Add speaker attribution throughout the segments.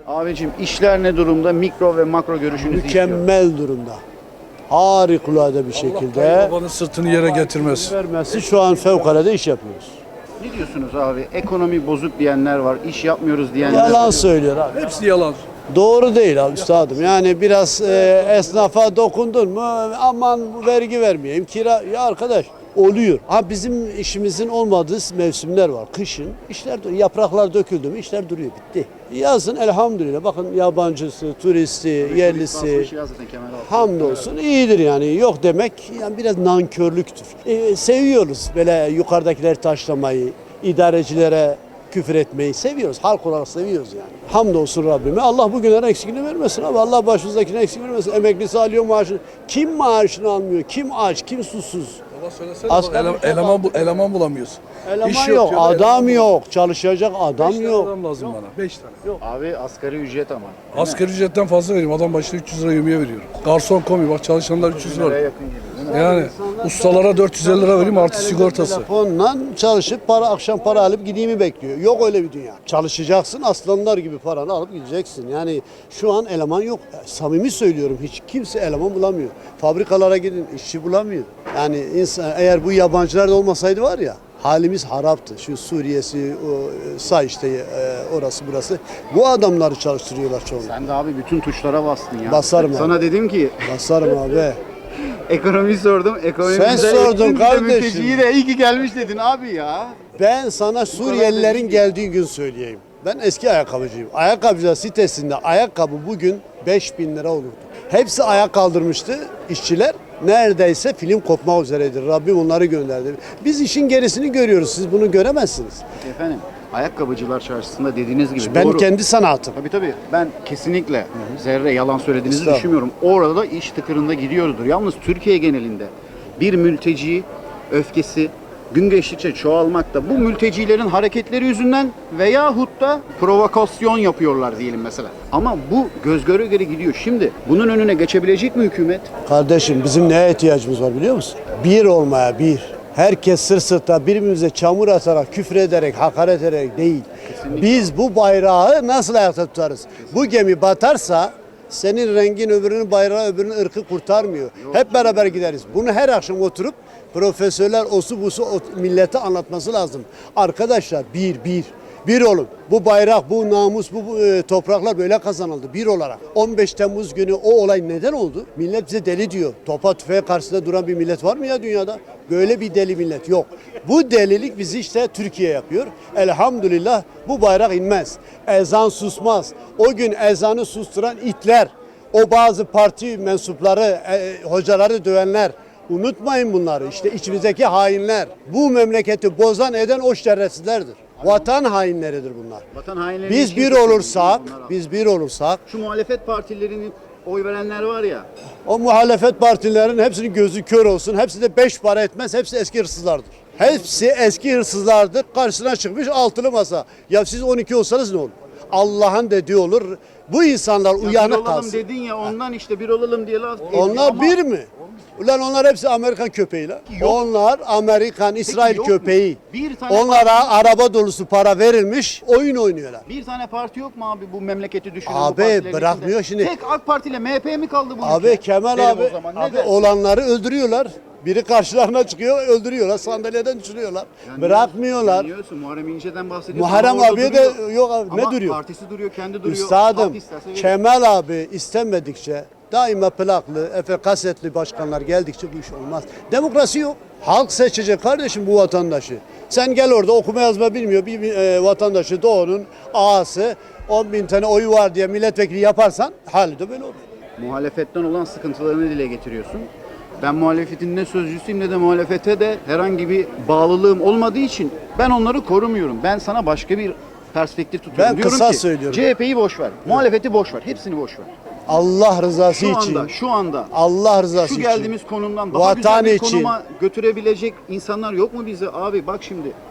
Speaker 1: Abicim işler ne durumda? Mikro ve makro görüşünüzü istiyorum.
Speaker 2: Mükemmel durumda. Harikulade bir şekilde
Speaker 3: Babanın sırtını yere getirmez.
Speaker 2: vermesi şu an fevkalade iş yapıyoruz.
Speaker 1: Ne diyorsunuz abi? Ekonomi bozuk diyenler var, iş yapmıyoruz diyenler
Speaker 2: Yalan
Speaker 1: var.
Speaker 2: söylüyor abi.
Speaker 3: Hepsi yalan.
Speaker 2: Doğru değil abi üstadım. Yani biraz esnafa dokundun mu aman vergi vermeyeyim kira ya arkadaş oluyor. Ha bizim işimizin olmadığı mevsimler var. Kışın işler yapraklar döküldü mü işler duruyor bitti. Yazın elhamdülillah bakın yabancısı, turisti, yerlisi
Speaker 1: Basmış ya zaten Kemal abi.
Speaker 2: hamdolsun iyidir yani yok demek yani biraz nankörlüktür. Seviyoruz böyle yukarıdakileri taşlamayı, idarecilere küfür etmeyi seviyoruz. Halk olarak seviyoruz yani. Hamdolsun Rabbime. Allah bugünlerin eksikliğini vermesin abi. Allah başımızdakine eksik vermesin. Emeklisi alıyor maaşını. Kim maaşını almıyor? Kim aç? Kim susuz?
Speaker 3: Baba söylesene
Speaker 2: Asgari
Speaker 3: bak, eleman bulamıyoruz.
Speaker 2: Eleman
Speaker 3: İş
Speaker 2: yok,
Speaker 3: diyorlar,
Speaker 2: adam
Speaker 3: eleman
Speaker 2: yok. Çalışacak adam
Speaker 3: 5 tane
Speaker 2: yok.
Speaker 3: adam lazım bana. 5 tane.
Speaker 1: Abi asgari ücret ama. Değil mi?
Speaker 3: Asgari ücretten fazla veriyorum. Adam başına 300 lira yemeğe veriyorum. Garson komi bak çalışanlar 300
Speaker 1: Liraya
Speaker 3: lira.
Speaker 1: yakın gibi değil mi?
Speaker 3: Yani ustalara 450 lira vereyim artı sigortası.
Speaker 2: Telefonla çalışıp akşam para alıp gideyimi bekliyor. Yok öyle bir dünya. Çalışacaksın aslanlar gibi paranı alıp gideceksin. Yani şu an eleman yok. Samimi söylüyorum hiç kimse eleman bulamıyor. Fabrikalara gidin işçi bulamıyor. Yani insan eğer bu yabancılar da olmasaydı var ya halimiz haraptı. Şu Suriye'si, orası burası. Bu adamları çalıştırıyorlar çoğunu.
Speaker 1: Sen de abi bütün tuşlara bastın ya.
Speaker 2: Basarım abi.
Speaker 1: Sana dedim ki
Speaker 2: Basarım abi.
Speaker 1: ekonomiyi sordum. Ekonomi
Speaker 2: Sen
Speaker 1: bize
Speaker 2: sordun
Speaker 1: ettin, bir de
Speaker 2: kardeşim.
Speaker 1: mülteciyi de iyi ki gelmiş dedin abi ya.
Speaker 2: Ben sana Suriyelilerin geldiği gün söyleyeyim. Ben eski ayakkabıcıyım. Ayakkabıcılar sitesinde ayakkabı bugün 5.000 lira olurdu. Hepsi ayak kaldırmıştı işçiler. Neredeyse film kopmak üzeredir. Rabbim onları gönderdi. Biz işin gerisini görüyoruz. Siz bunu göremezsiniz.
Speaker 1: Efendim ayakkabıcılar çarşısında dediğiniz gibi
Speaker 2: Ben
Speaker 1: doğru.
Speaker 2: kendi sanatım.
Speaker 1: Tabii ben kesinlikle zerre yalan söylediğinizi
Speaker 2: Estağfurullah.
Speaker 1: düşünmüyorum. Orada da iş tıkırında gidiyordur. Yalnız Türkiye genelinde bir mülteci öfkesi gün geçtikçe çoğalmakta. Bu mültecilerin hareketleri yüzünden veyahut da provokasyon yapıyorlar diyelim mesela. Ama bu göz göre göre gidiyor. Şimdi bunun önüne geçebilecek mi hükümet?
Speaker 2: Kardeşim bizim neye ihtiyacımız var biliyor musun? Bir olmaya bir. Herkes sırt sırta birbirimize çamur atarak, küfür ederek, hakaret ederek değil. Biz bu bayrağı nasıl ayakta tutarız? Bu gemi batarsa senin rengin öbürünün bayrağı öbürünün ırkı kurtarmıyor. Hep beraber gideriz. Bunu her akşam oturup profesörler osu busu millete anlatması lazım. Arkadaşlar bir olun. Bu bayrak, bu namus, bu topraklar böyle kazanıldı bir olarak. 15 Temmuz günü o olay neden oldu? Millet bize deli diyor. Topa tüfeğe karşısında duran bir millet var mı ya dünyada? Böyle bir deli millet yok. Bu delilik bizi işte Türkiye yapıyor. Elhamdülillah bu bayrak inmez. Ezan susmaz. O gün ezanı susturan itler, o bazı parti mensupları, hocaları dövenler, unutmayın bunları. İşte içimizdeki hainler. Bu memleketi bozan eden o şerefsizlerdir. Vatan hainleridir bunlar.
Speaker 1: Vatan hainleri
Speaker 2: Biz
Speaker 1: için
Speaker 2: bir
Speaker 1: çok
Speaker 2: olursak,
Speaker 1: bunlar abi.
Speaker 2: biz bir olursak
Speaker 1: Şu muhalefet partilerinin oy verenler var ya.
Speaker 2: o muhalefet partilerin hepsinin gözü kör olsun. Hepsi de 5 para etmez. Hepsi eski hırsızlardır. Hepsi eski hırsızlardır. Karşısına çıkmış altılı masa. Ya siz 12 olsanız ne olur? Allah'ın dediği olur. Bu insanlar
Speaker 1: Ya bir
Speaker 2: uyanık
Speaker 1: olalım
Speaker 2: kalsın.
Speaker 1: dedin ya ondan işte bir olalım diye laf.
Speaker 2: Onlar
Speaker 1: Ama
Speaker 2: bir mi? Ulan onlar hepsi Amerikan köpeği lan.
Speaker 1: Yok.
Speaker 2: Onlar Amerikan, İsrail
Speaker 1: yok mu?
Speaker 2: köpeği.
Speaker 1: Bir tane
Speaker 2: Onlara araba dolusu para verilmiş, oyun oynuyorlar.
Speaker 1: bir tane parti yok mu abi bu memleketi düşünen bu
Speaker 2: Abi,
Speaker 1: partilerin
Speaker 2: bırakmıyor
Speaker 1: içinde?
Speaker 2: şimdi.
Speaker 1: Tek AK Parti ile MHP mi kaldı bu
Speaker 2: Abi
Speaker 1: ülke?
Speaker 2: Kemal
Speaker 1: Derim
Speaker 2: abi,
Speaker 1: o zaman. Ne
Speaker 2: abi
Speaker 1: dersin?
Speaker 2: olanları öldürüyorlar. Biri karşılarına çıkıyor, öldürüyorlar. Sandalyeden düşürüyorlar. Bırakmıyorlar.
Speaker 1: Biliyorsun Muharrem İnce'den bahsediyorsun.
Speaker 2: Muharrem
Speaker 1: ama orada
Speaker 2: abiye
Speaker 1: duruyor.
Speaker 2: de yok abi, ne
Speaker 1: Ama
Speaker 2: duruyor?
Speaker 1: partisi duruyor, kendi duruyor.
Speaker 2: Üstadım,
Speaker 1: Halk isterse verir.
Speaker 2: Kemal abi istemedikçe daima plaklı, kasetli başkanlar geldikçe bu iş olmaz. Demokrasi yok. Halk seçecek kardeşim bu vatandaşı. Sen gel orada okuma yazma bilmiyor bir vatandaşı Doğu'nun ağası 10.000 tane oyu var diye milletvekili yaparsan hali de böyle olur.
Speaker 1: Muhalefetten olan sıkıntılarını dile getiriyorsun. Ben muhalefetin ne sözcüsüyüm ne de muhalefete de herhangi bir bağlılığım olmadığı için ben onları korumuyorum. Ben sana başka bir perspektif tutuyorum.
Speaker 2: Ben
Speaker 1: Diyorum
Speaker 2: kısa
Speaker 1: ki,
Speaker 2: söylüyorum.
Speaker 1: CHP'yi boş ver, muhalefeti boş ver, hepsini boş ver.
Speaker 2: Allah rızası
Speaker 1: Şu
Speaker 2: için.
Speaker 1: anda, şu anda
Speaker 2: Allah rızası
Speaker 1: şu
Speaker 2: için.
Speaker 1: geldiğimiz konumdan daha
Speaker 2: Vatan
Speaker 1: güzel bir
Speaker 2: için.
Speaker 1: konuma götürebilecek insanlar yok mu bizi? Abi bak şimdi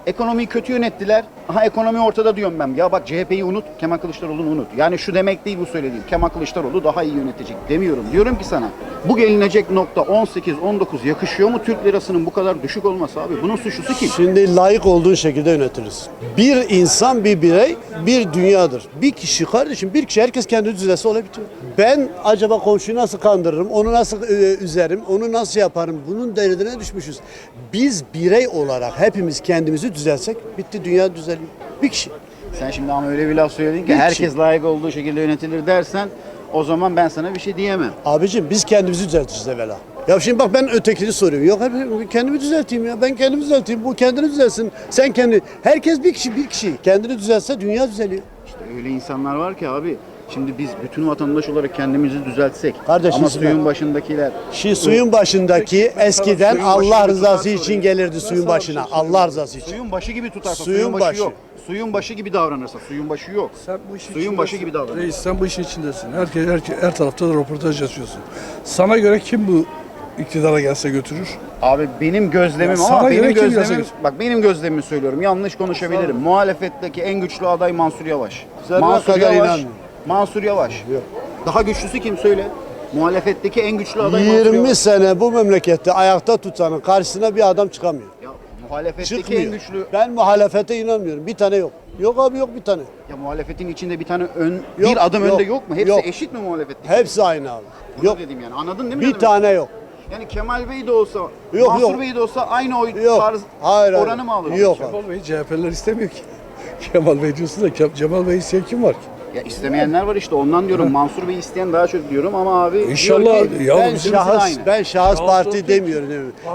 Speaker 1: Ekonomiyi kötü yönettiler. Aha ekonomi ortada diyorum ben. Ya bak CHP'yi unut, Kemal Kılıçdaroğlu'nu unut. Yani şu demek değil bu söylediğim. Kemal Kılıçdaroğlu daha iyi yönetecek demiyorum. Diyorum ki sana bu gelinecek nokta 18-19 yakışıyor mu Türk lirasının bu kadar düşük olması abi? Bunun suçlusu kim?
Speaker 2: Şimdi layık olduğun şekilde yönetiriz. Bir insan, bir birey, bir dünyadır. Bir kişi kardeşim, bir kişi herkes kendi düzelse olay bitiyor. Ben acaba komşuyu nasıl kandırırım, onu nasıl üzerim, onu nasıl yaparım? Bunun derdine düşmüşüz. Biz birey olarak hepimiz kendimizi düzelsek bitti, dünya düzeliyor. Bir kişi.
Speaker 1: Sen şimdi ama öyle bir laf söyledin ki
Speaker 2: Bir
Speaker 1: herkes
Speaker 2: kişi.
Speaker 1: layık olduğu şekilde yönetilir dersen o zaman ben sana bir şey diyemem.
Speaker 2: Abicim biz kendimizi düzelteceğiz evvela. Ya şimdi bak ben ötekini soruyorum. Yok kendimi düzelteyim ya. Ben kendimi düzelteyim. Bu kendini düzelsin. Sen kendi. Herkes bir kişi bir kişi. Kendini düzelse dünya düzeliyor.
Speaker 1: İşte öyle insanlar var ki abi. Şimdi biz bütün vatandaş olarak kendimizi düzeltsek
Speaker 2: Kardeşim
Speaker 1: ama
Speaker 2: ben-
Speaker 1: suyun başındakiler
Speaker 2: Şimdi suyun başındaki eskiden
Speaker 1: Suyun
Speaker 2: Allah
Speaker 1: başı gibi
Speaker 2: rızası
Speaker 1: tutarsa
Speaker 2: için
Speaker 1: orayı.
Speaker 2: gelirdi suyun başına. Allah rızası için.
Speaker 1: suyun başı gibi tutarsa
Speaker 2: Suyun
Speaker 1: suyun başı
Speaker 2: başı.
Speaker 1: yok. Suyun başı gibi davranırsa suyun başı yok.
Speaker 3: Sen bu işin
Speaker 1: Suyun başı gibi davran.
Speaker 3: Reis sen bu işin içindesin. Her tarafta da röportaj yazıyorsun. Sana göre kim bu iktidara gelse götürür?
Speaker 1: Abi benim gözlemim
Speaker 3: Ya sana
Speaker 1: ama
Speaker 3: göre
Speaker 1: benim
Speaker 3: kim
Speaker 1: gözlemim
Speaker 3: yazar?
Speaker 1: bak benim gözlemimi söylüyorum. Yanlış konuşabilirim. Muhalefetteki en güçlü aday Mansur Yavaş.
Speaker 2: Zerre kadar inanmıyorum.
Speaker 1: Mansur Yavaş.
Speaker 2: Yok.
Speaker 1: Daha güçlüsü kim söyle? Muhalefetteki en güçlü aday Mansur
Speaker 2: 20
Speaker 1: Yavaş.
Speaker 2: sene bu memlekette ayakta tutanın karşısına bir adam çıkamıyor.
Speaker 1: Ya muhalefetteki en
Speaker 2: Çıkmıyor.
Speaker 1: güçlü
Speaker 2: Ben muhalefete inanmıyorum. Bir tane yok. Yok abi yok bir tane.
Speaker 1: ya muhalefetin içinde bir tane
Speaker 2: Yok,
Speaker 1: bir adım
Speaker 2: yok,
Speaker 1: önde yok mu? Hepsi
Speaker 2: yok.
Speaker 1: eşit mi muhalefetteki?
Speaker 2: Hepsi aynı abi.
Speaker 1: Bunu
Speaker 2: Yok.
Speaker 1: dedim yani. Anladın değil mi?
Speaker 2: Bir
Speaker 1: ne demek?
Speaker 2: tane yok.
Speaker 1: Yani Kemal Bey de olsa,
Speaker 2: Yok,
Speaker 1: Mansur
Speaker 2: yok.
Speaker 1: Bey de olsa aynı oy
Speaker 2: Yok.
Speaker 1: tarz
Speaker 2: Hayır, hayır.
Speaker 1: oranı mı alır?
Speaker 2: Yok abi.
Speaker 3: Kemal Bey CHP'liler istemiyor ki. Kemal Bey diyorsun da Cemal Bey isteyen kim var ki?
Speaker 1: Ya istemeyenler var işte ondan diyorum. Mansur Bey isteyen daha çok diyorum ama abi
Speaker 3: İnşallah
Speaker 1: diyor ki,
Speaker 3: ya
Speaker 2: Ben
Speaker 3: bizim
Speaker 2: şahıs,
Speaker 1: aynı.
Speaker 2: ben şahıs parti
Speaker 3: olsun.
Speaker 2: demiyorum.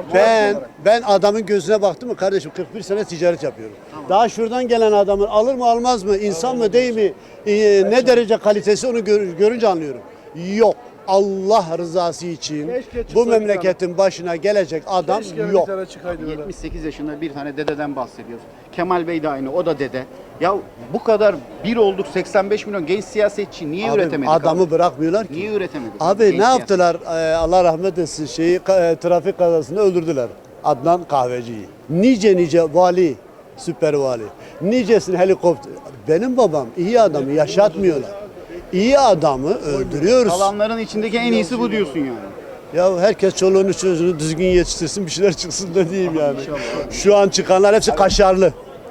Speaker 2: Ben adamın gözüne baktım mı kardeşim 41 sene ticaret yapıyorum. Daha şuradan gelen adamın alır mı almaz mı, insan mı değil mi, ne derece kalitesi onu görünce anlıyorum. Yok. Allah rızası için
Speaker 3: Keşke
Speaker 2: bu
Speaker 3: çıksaydı
Speaker 2: memleketin başına gelecek adam
Speaker 3: Keşke bir
Speaker 2: yok.
Speaker 3: tane çıkaydı böyle.
Speaker 1: 78 yaşında bir tane dededen bahsediyoruz. Kemal Bey de aynı, o da dede. Ya bu kadar bir olduk 85 milyon genç siyasetçi niye
Speaker 2: Abi,
Speaker 1: üretemedik?
Speaker 2: adamı
Speaker 1: abi?
Speaker 2: bırakmıyorlar ki.
Speaker 1: Niye üretemedik?
Speaker 2: Abi
Speaker 1: genç
Speaker 2: ne
Speaker 1: siyaset?
Speaker 2: yaptılar? Allah rahmet etsin trafik kazasında öldürdüler. Adnan Kahveci'yi. Nice vali, süper vali. Nicesini helikopter. Benim babam iyi adamı yaşatmıyorlar. İyi adamı öldürüyoruz.
Speaker 1: Kalanların içindeki en iyisi bu diyorsun yani.
Speaker 2: Ya herkes çoluğunu çocuğunu düzgün yetiştirsin bir şeyler çıksın da diyeyim yani.
Speaker 1: İnşallah.
Speaker 2: Şu an çıkanlar hepsi kaşarlı.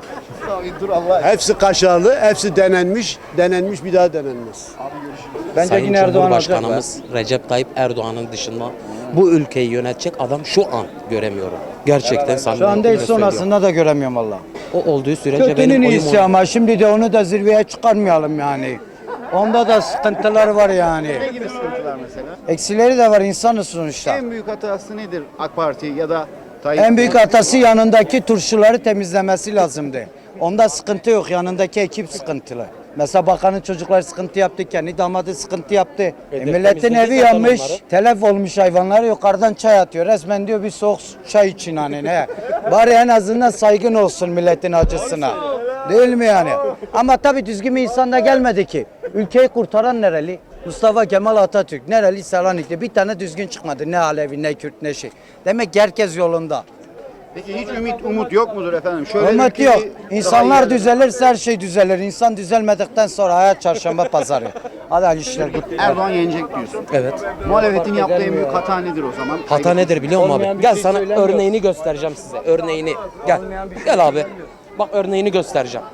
Speaker 1: Abi dur Allah.
Speaker 2: Hepsi kaşarlı, hepsi denenmiş bir daha denenmez.
Speaker 4: Bence
Speaker 5: Sayın
Speaker 4: yine Erdoğan alacak.
Speaker 5: Cumhurbaşkanımız Recep Tayyip Erdoğan'ın dışında bu ülkeyi yönetecek adam şu an göremiyorum. Gerçekten samimi
Speaker 4: Şu an değil
Speaker 5: söylüyorum.
Speaker 4: sonrasında da göremiyorum valla.
Speaker 5: O olduğu sürece
Speaker 4: Kötünün
Speaker 5: benim oyum
Speaker 4: iyisi
Speaker 5: ona.
Speaker 4: ama şimdi de onu da zirveye çıkarmayalım yani. Onda da sıkıntılar var
Speaker 1: Ne
Speaker 4: yani.
Speaker 1: gibi sıkıntılar mesela?
Speaker 4: Eksileri de var insanız sonuçta.
Speaker 1: En büyük hatası nedir AK Parti ya da Tayyip?
Speaker 4: En büyük hatası yanındaki turşuları temizlemesi lazımdı. Onda sıkıntı yok. Yanındaki ekip sıkıntılı. Mesela bakanın çocukları sıkıntı yaptı, kendi damadı sıkıntı yaptı. Milletin
Speaker 5: temizledi
Speaker 4: evi
Speaker 5: zaten
Speaker 4: yanmış,
Speaker 5: onları.
Speaker 4: telef olmuş hayvanlar yukarıdan çay atıyor. Resmen diyor bir soğuk çay için hani ne. Bari en azından saygın olsun milletin acısına. Değil mi yani? Ama tabii düzgün bir insan da gelmedi ki. Ülkeyi kurtaran nereli? Mustafa Kemal Atatürk. Nereli? Selanikli. Bir tane düzgün çıkmadı. Ne Alevi, ne Kürt, ne şey. Demek ki herkes yolunda.
Speaker 1: Peki hiç umut yok mudur efendim? Şöyle
Speaker 4: Umut
Speaker 1: ülkeyi
Speaker 4: yok.
Speaker 1: daha
Speaker 4: İnsanlar
Speaker 1: iyi-
Speaker 4: düzelirse her şey düzelir. İnsan düzelmedikten sonra hayat çarşamba pazarı. Hadi hayırlı işler.
Speaker 1: Erdoğan yenecek diyorsun.
Speaker 5: Evet.
Speaker 1: Muhalefetin yaptığı en büyük hata nedir o zaman?
Speaker 5: Hata nedir biliyor musun
Speaker 4: Olmayan
Speaker 5: abi?
Speaker 4: bir
Speaker 5: Gel
Speaker 4: şey
Speaker 5: sana
Speaker 4: söylemiyor.
Speaker 5: örneğini göstereceğim size. Örneğini. Gel. Gel abi. Bak örneğini göstereceğim.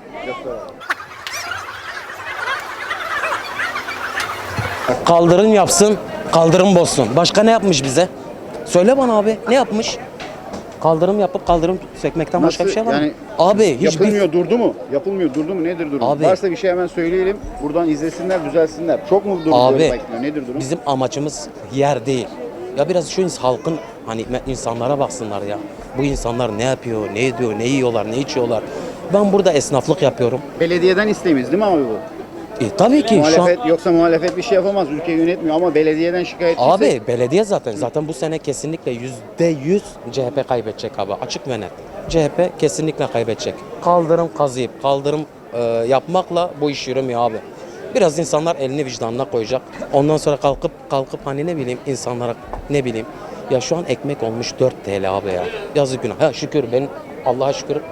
Speaker 5: Kaldırım yapsın, kaldırım bozsun. Başka ne yapmış bize? Söyle bana abi, ne yapmış? Kaldırım yapıp kaldırım sökmekten başka bir şey var mı?
Speaker 1: Yani
Speaker 5: Abi hiçbir
Speaker 1: yapılmıyor durdu mu? Yapılmıyor durdu mu? Nedir durum?
Speaker 5: Abi.
Speaker 1: Varsa bir şey hemen söyleyelim. Buradan izlesinler, düzelsinler. Çok mu durdu?
Speaker 5: Abi
Speaker 1: Bekliyor? Nedir durum?
Speaker 5: bizim amacımız yer değil. Ya biraz şu halkın hani insanlara baksınlar ya. Bu insanlar ne yapıyor, ne ediyor, ne yiyorlar, ne içiyorlar. Ben burada esnaflık yapıyorum.
Speaker 1: Belediyeden isteğimiz değil mi abi bu?
Speaker 5: Tabii ki şu an
Speaker 1: Muhalefet yoksa muhalefet bir şey yapamaz. Ülkeyi yönetmiyor ama belediyeden şikayet
Speaker 5: abi belediye zaten bu sene kesinlikle %100 CHP kaybedecek abi, açık ve net. CHP kesinlikle kaybedecek. Kaldırım kazıyıp kaldırım yapmakla bu iş yürümüyor abi. Biraz insanlar elini vicdanına koyacak. Ondan sonra kalkıp hani ne bileyim insanlara ne bileyim ya şu an ekmek olmuş 4 TL abi ya. Yazık günah. Ha şükür ben Allah'a şükür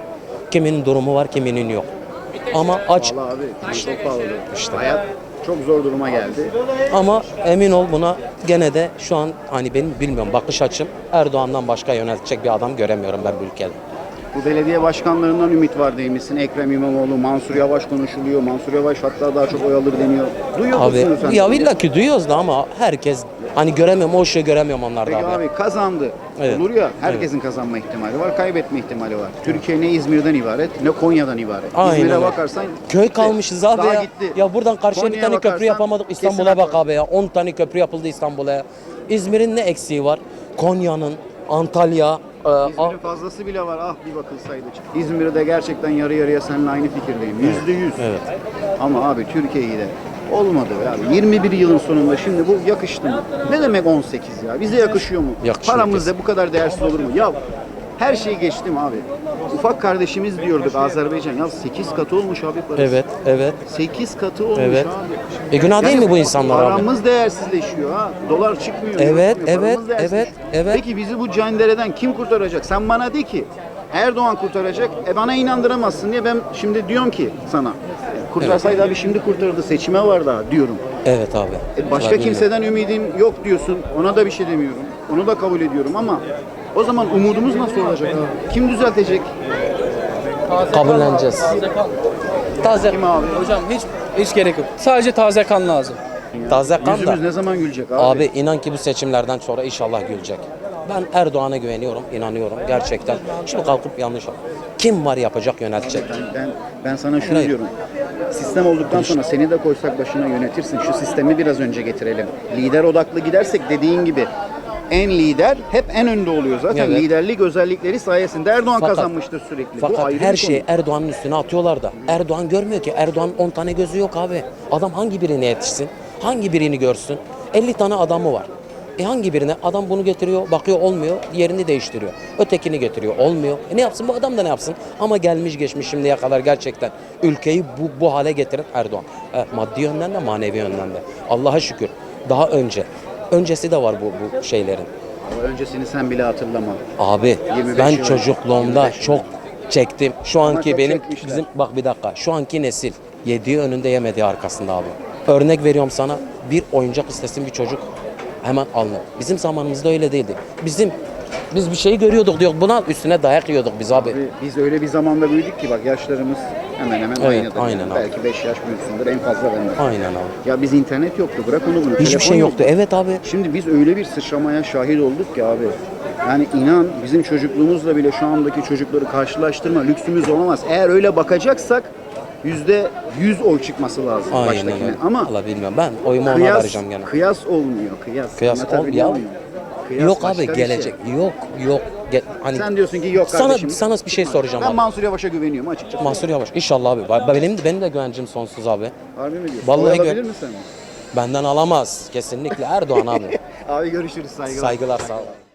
Speaker 5: Kiminin durumu var, kiminin yok. Ama aç.
Speaker 1: Vallahi abi çok pahalı. Hayat çok zor duruma geldi.
Speaker 5: Ama emin ol buna gene de şu an hani benim bilmiyorum bakış açım Erdoğan'dan başka yöneltecek bir adam göremiyorum ben bu ülkede.
Speaker 1: Bu belediye başkanlarından ümit var değil misin? Ekrem İmamoğlu, Mansur Yavaş konuşuluyor. Mansur Yavaş hatta daha çok oy alır deniyor. Duyuyor
Speaker 5: Abi
Speaker 1: musun sen?
Speaker 5: ya illa ki duyuyoruz da ama herkes hani göremiyorum o ışığı göremiyorum onlarda
Speaker 1: Peki
Speaker 5: abi.
Speaker 1: abi kazandı.
Speaker 5: Evet.
Speaker 1: Olur ya herkesin kazanma ihtimali var, kaybetme ihtimali var. Türkiye ne İzmir'den ibaret ne Konya'dan ibaret.
Speaker 5: Aynen
Speaker 1: İzmir'e
Speaker 5: öyle.
Speaker 1: bakarsan
Speaker 5: Köy
Speaker 1: gitti.
Speaker 5: kalmışız abi
Speaker 1: Daha
Speaker 5: ya.
Speaker 1: gitti.
Speaker 5: Ya buradan karşıya bir
Speaker 1: Konya'ya
Speaker 5: tane köprü
Speaker 1: bakarsan
Speaker 5: yapamadık
Speaker 1: kesin
Speaker 5: İstanbul'a bak
Speaker 1: haklı.
Speaker 5: abi ya. 10 tane köprü yapıldı İstanbul'a ya. İzmir'in ne eksiği var? Konya'nın, Antalya,
Speaker 1: İzmir'in fazlası bile var ah bir bakılsaydı. İzmir'de gerçekten yarı yarıya seninle aynı fikirdeyim. %100.
Speaker 5: evet.
Speaker 1: Ama abi Türkiye'yi de olmadı be abi. 21 yılın sonunda şimdi bu yakıştı mı? Ne demek 18 ya? Bize yakışıyor mu?
Speaker 5: Yakışıyor
Speaker 1: Paramız
Speaker 5: kesin.
Speaker 1: da bu kadar değersiz olur mu? Ya her şeyi geçtim abi. Ufak kardeşimiz diyorduk Azerbaycan. Ya 8 katı olmuş abi parası.
Speaker 5: Evet, evet.
Speaker 1: 8 katı olmuş
Speaker 5: Evet.
Speaker 1: abi.
Speaker 5: Günah değil mi bu insanlar abi?
Speaker 1: Paramız değersizleşiyor ha. Dolar çıkmıyor. euro
Speaker 5: Evet,
Speaker 1: çıkmıyor,
Speaker 5: evet,
Speaker 1: paramız değersizleşiyor.
Speaker 5: evet, evet.
Speaker 1: Peki bizi bu cendereden kim kurtaracak? Sen bana de ki Erdoğan kurtaracak. Bana inandıramazsın diye ben şimdi diyorum ki sana. Kurtarsaydı abi şimdi kurtarırdı. Seçime var daha diyorum.
Speaker 5: Evet abi.
Speaker 1: Başka
Speaker 5: Vallahi
Speaker 1: kimseden ümidim yok diyorsun. Ona da bir şey demiyorum. Onu da kabul ediyorum ama o zaman umudumuz nasıl olacak abi? Kim düzeltecek?
Speaker 5: bilmiyorum. Kabulleneceğiz.
Speaker 6: Taze
Speaker 1: Kim abi?
Speaker 6: Hocam hiç gerek yok. Sadece taze kan lazım.
Speaker 5: Taze kan da.
Speaker 1: Yüzümüz ne zaman gülecek abi?
Speaker 5: Abi inan ki bu seçimlerden sonra inşallah gülecek. Ben Erdoğan'a güveniyorum, inanıyorum gerçekten. Şimdi kalkıp yanlış. Kim var yapacak, yöneltecek?
Speaker 1: Ben sana şunu
Speaker 5: Hayır.
Speaker 1: diyorum. Sistem olduktan sonra seni de koysak başına yönetirsin. Şu sistemi biraz önce getirelim. Lider odaklı gidersek dediğin gibi en lider hep en önde oluyor zaten.
Speaker 5: Evet.
Speaker 1: Liderlik özellikleri sayesinde Erdoğan
Speaker 5: Fakat-
Speaker 1: kazanmıştır sürekli. Bu
Speaker 5: Fakat
Speaker 1: ayrı
Speaker 5: her
Speaker 1: bir
Speaker 5: şeyi
Speaker 1: konu.
Speaker 5: Erdoğan'ın üstüne atıyorlar da. Erdoğan görmüyor ki. Erdoğan'ın 10 tane gözü yok abi. Adam hangi birine yetişsin? Hangi birini görsün? 50 tane adamı var. Hangi birine? Adam bunu getiriyor, bakıyor olmuyor, yerini değiştiriyor. Ötekini getiriyor, olmuyor. Ne yapsın? Bu adam da ne yapsın? Ama gelmiş geçmiş şimdiye kadar gerçekten ülkeyi bu hale getiren Erdoğan. Maddi yönden de manevi yönden de. Allah'a şükür. Daha öncesi de var bu şeylerin.
Speaker 1: Ama öncesini sen bile hatırlama.
Speaker 5: Abi
Speaker 1: 25
Speaker 5: ben
Speaker 1: yıl
Speaker 5: çocukluğumda
Speaker 1: 25 yıl
Speaker 5: çok çektim. Şu anki
Speaker 1: çok
Speaker 5: benim
Speaker 1: çekmişler.
Speaker 5: bizim bak bir dakika. Şu anki nesil yediği önünde yemediği arkasında abi. Örnek veriyorum sana. Bir oyuncak istesin bir çocuk hemen alınır. Bizim zamanımızda öyle değildi. Biz bir şeyi görüyorduk diyor. Buna üstüne dayak yiyorduk biz abi.
Speaker 1: Biz öyle bir zamanda büyüdük ki bak yaşlarımız hemen hemen
Speaker 5: Evet,
Speaker 1: aynıdır.
Speaker 5: aynen abi.
Speaker 1: Belki 5 yaş büyüksündür en fazla benden.
Speaker 5: Aynen abi.
Speaker 1: Ya biz internet yoktu bırak onu bunu.
Speaker 5: Hiçbir
Speaker 1: Telefon
Speaker 5: şey yoktu. Evet abi.
Speaker 1: Şimdi biz öyle bir sıçramaya şahit olduk ki abi. Yani inan bizim çocukluğumuzla bile şu andaki çocukları karşılaştırma lüksümüz olamaz. Eğer öyle bakacaksak %100 oy çıkması lazım
Speaker 5: Aynen
Speaker 1: baştakine.
Speaker 5: öyle.
Speaker 1: Ama
Speaker 5: Vallahi bilmiyorum. Ben oyumu ona
Speaker 1: kıyas,
Speaker 5: vereceğim gene.
Speaker 1: kıyas olmuyor. Kıyas Anlatabiliyor
Speaker 5: ya.
Speaker 1: muyum? Kıyas
Speaker 5: Yok
Speaker 1: başka
Speaker 5: abi
Speaker 1: bir
Speaker 5: gelecek.
Speaker 1: şey.
Speaker 5: Yok. Hani
Speaker 1: Sen diyorsun ki yok kardeşim.
Speaker 5: sana bir şey soracağım
Speaker 1: Ben
Speaker 5: abi.
Speaker 1: Mansur Yavaş'a güveniyorum açıkçası.
Speaker 5: Mansur Yavaş. İnşallah abi. Benim de güvencim sonsuz abi.
Speaker 1: Harbi mi diyorsun?
Speaker 5: Vallahi
Speaker 1: Oy alabilir misin?
Speaker 5: Benden alamaz. Kesinlikle Erdoğan abi.
Speaker 1: Abi görüşürüz saygılar.
Speaker 5: Saygılar sağ ol.